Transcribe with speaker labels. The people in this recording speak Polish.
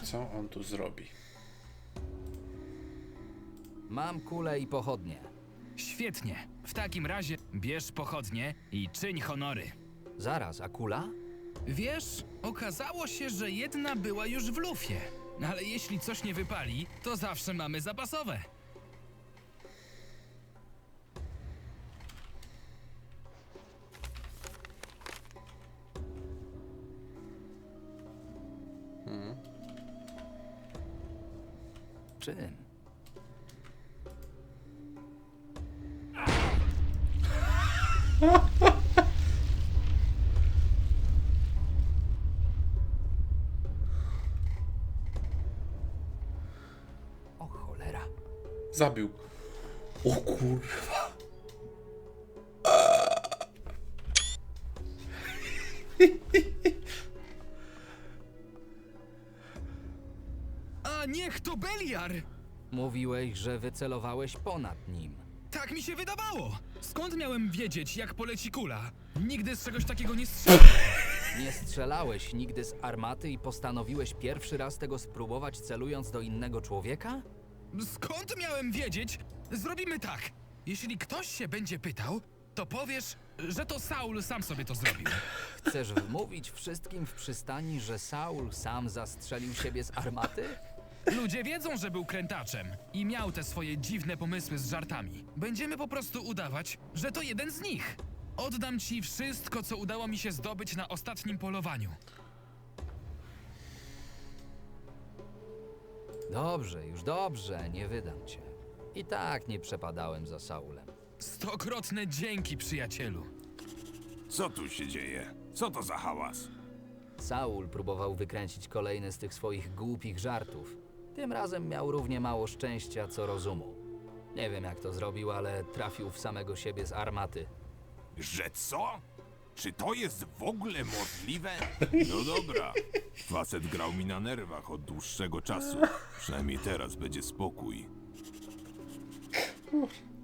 Speaker 1: Co on tu zrobi?
Speaker 2: Mam kulę i pochodnie.
Speaker 3: Świetnie. W takim razie bierz pochodnie i czyń honory.
Speaker 2: Zaraz, a kula?
Speaker 3: Wiesz, okazało się, że jedna była już w lufie. Ale jeśli coś nie wypali, to zawsze mamy zapasowe.
Speaker 2: Czym? O cholera.
Speaker 1: Zabił. O kurwa.
Speaker 3: A niech to Beliar!
Speaker 2: Mówiłeś, że wycelowałeś ponad nim.
Speaker 3: Tak mi się wydawało! Skąd miałem wiedzieć, jak poleci kula? Nigdy z czegoś takiego nie strzelałem.
Speaker 2: Nie strzelałeś nigdy z armaty i postanowiłeś pierwszy raz tego spróbować, celując do innego człowieka?
Speaker 3: Skąd miałem wiedzieć? Zrobimy tak. Jeśli ktoś się będzie pytał, to powiesz, że to Saul sam sobie to zrobił.
Speaker 2: Chcesz wmówić wszystkim w przystani, że Saul sam zastrzelił siebie z armaty?
Speaker 3: Ludzie wiedzą, że był krętaczem i miał te swoje dziwne pomysły z żartami. Będziemy po prostu udawać, że to jeden z nich. Oddam ci wszystko, co udało mi się zdobyć na ostatnim polowaniu.
Speaker 2: Dobrze, już dobrze, nie wydam cię. I tak nie przepadałem za Saulem.
Speaker 3: Stokrotne dzięki, przyjacielu.
Speaker 4: Co tu się dzieje? Co to za hałas?
Speaker 2: Saul próbował wykręcić kolejny z tych swoich głupich żartów. Tym razem miał równie mało szczęścia, co rozumu. Nie wiem, jak to zrobił, ale trafił w samego siebie z armaty.
Speaker 4: Że co? Czy to jest w ogóle możliwe? No dobra. Facet grał mi na nerwach od dłuższego czasu. Przynajmniej teraz będzie spokój.